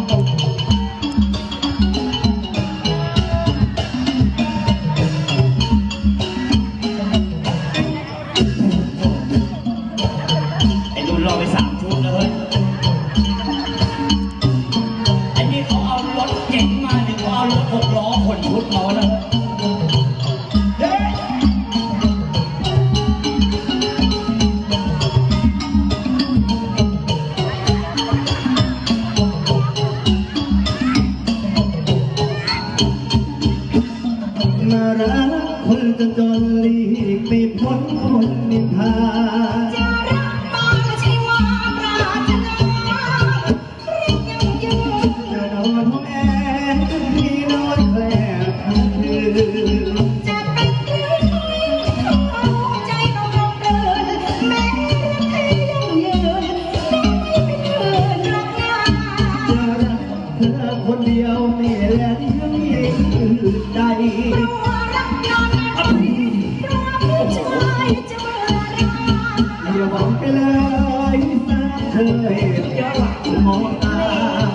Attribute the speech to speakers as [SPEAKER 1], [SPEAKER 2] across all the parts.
[SPEAKER 1] ไอ้รุ่นรอไป3 ชุดแล้วเฮ้ยไอ้นี่เขาเอารถเก๋งมาเนี่ยเขาเอารถ6 ล้อขนชุดมาแล้ว
[SPEAKER 2] น่ารักคนจะจนหลีกไม่พ้นคนนินทา
[SPEAKER 3] จะรักมาใช่ว่าปรารถนาเรียกยังยืน
[SPEAKER 2] จะนอนห้องแอร์ที่นอนแกล้ทั้งคืน
[SPEAKER 3] จะเป็นหรือไม่ใจต้องลงเดินแม้รักเธอยังยืนไม่เป็นเพื่อนรักนา
[SPEAKER 2] จะรักเธอคนเดียวไม่แลเลี้ยงยิ่งอื่นใดอย่าหวังไปเลยสาเธออย่าหวังมองตา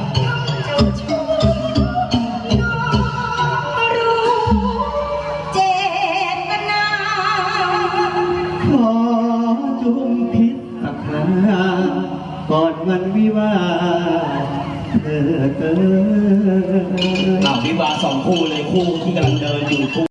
[SPEAKER 3] เจตนา
[SPEAKER 2] ขอจงพิจารณาก่อนวันวิวาเธอ
[SPEAKER 1] วิวา2 คู่เลยคู่ที่กำลังเดินอยู่